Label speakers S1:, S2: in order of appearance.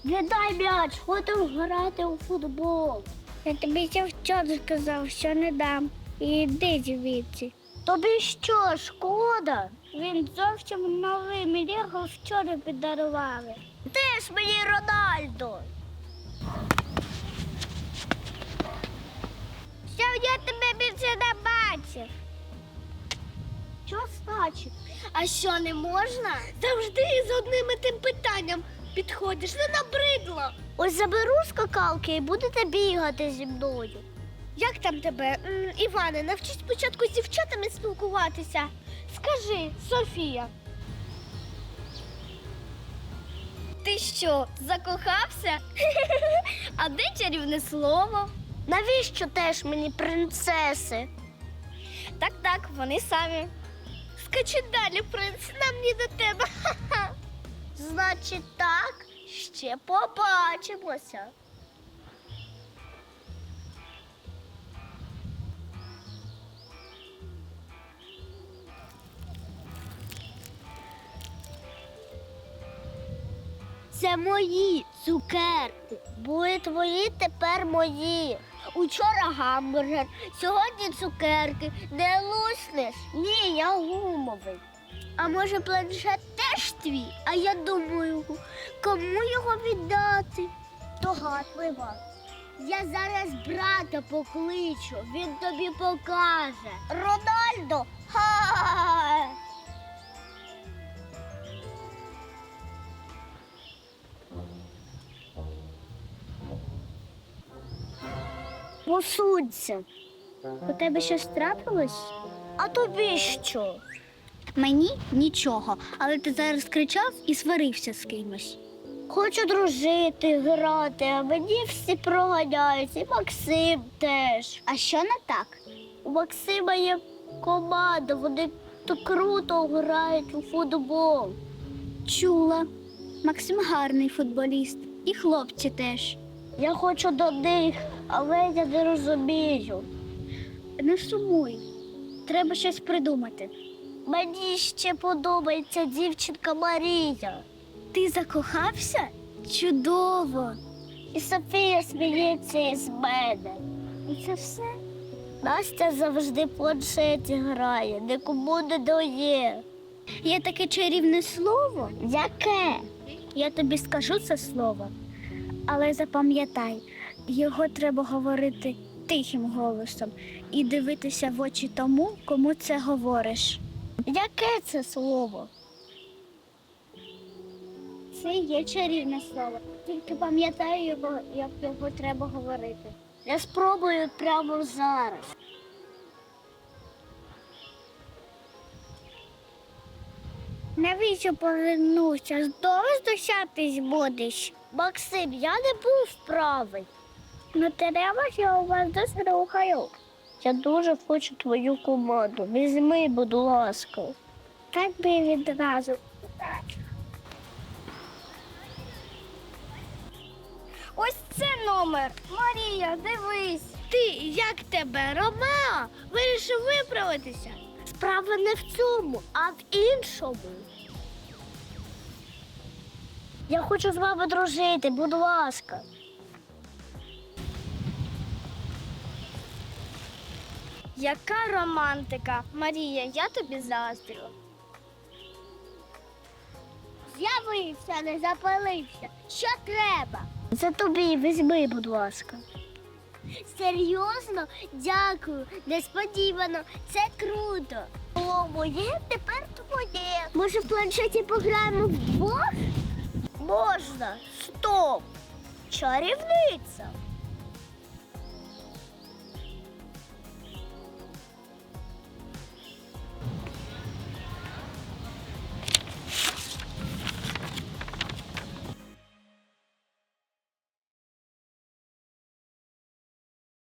S1: Віддай м'яч, ходимо грати у футбол.
S2: Я тобі ще вчора сказав, що не дам. Іди звідси.
S1: Тобі що, шкода? Він зовсім новий, мені його вчора подарували. Де ж мені Рональдо?
S2: Що я тебе більше не бачив?
S1: Що значить?
S2: А що, не можна? Завжди з одним і тим питанням підходиш, не набридло.
S1: Ось заберу скакалки і будете бігати зі мною.
S2: Як там тебе? Іване, навчись спочатку з дівчатами спілкуватися. Скажи, Софія. Ти що, закохався? А де чарівне слово?
S1: Навіщо теж мені принцеси?
S2: Так, вони самі. Скачи далі, принц, нам не до тебе.
S1: Значить так, ще побачимося. Це мої цукерки. Були твої, тепер мої. Учора гамбургер, сьогодні цукерки. Не луснеш? Ні, я гумовий. А може планшет теж твій? А я думаю, кому його віддати? Догадливо. Я зараз брата покличу, він тобі покаже. Рональдо! Ха! Посудься. У тебе щось трапилось? А тобі що?
S2: Мені нічого, але ти зараз кричав і сварився з кимось.
S1: Хочу дружити, грати, а мені всі проганяють, і Максим теж.
S2: А що не так?
S1: У Максима є команда, вони так круто грають у футбол.
S2: Чула. Максим гарний футболіст. І хлопці теж.
S1: Я хочу до них, але я не розумію.
S2: Не сумуй. Треба щось придумати.
S1: Мені ще подобається дівчинка Марія.
S2: Ти закохався? Чудово.
S1: І Софія сміється із мене. І це все. Настя завжди в планшеті грає, нікому не дає.
S2: Є таке чарівне слово.
S1: Яке?
S2: Я тобі скажу це слово, але запам'ятай, його треба говорити тихим голосом і дивитися в очі тому, кому це говориш.
S1: Яке це слово?
S2: Це є чарівне слово. Тільки пам'ятай його, як його треба говорити.
S1: Я спробую прямо зараз.
S2: Навіщо повернувся? Знову здощатись будеш?
S1: Максим, я не був правий.
S2: Ну треба, я у вас дослухаю.
S1: Я дуже хочу твою команду. Візьми, будь ласка.
S2: Так би відразу. Ось це номер. Марія, дивись. Ти, як тебе, Ромео? Вирішив виправитися?
S1: Справа не в цьому, а в іншому. Я хочу з вами дружити, будь ласка.
S2: Яка романтика? Марія, я тобі заздрю.
S1: З'явився, не запалився. Що треба? Це тобі, візьми, будь ласка. Серйозно? Дякую. Несподівано. Це круто. О, моє тепер твоє. Може, в планшеті пограємо вдвох? Можна. Стоп. Чарівниця.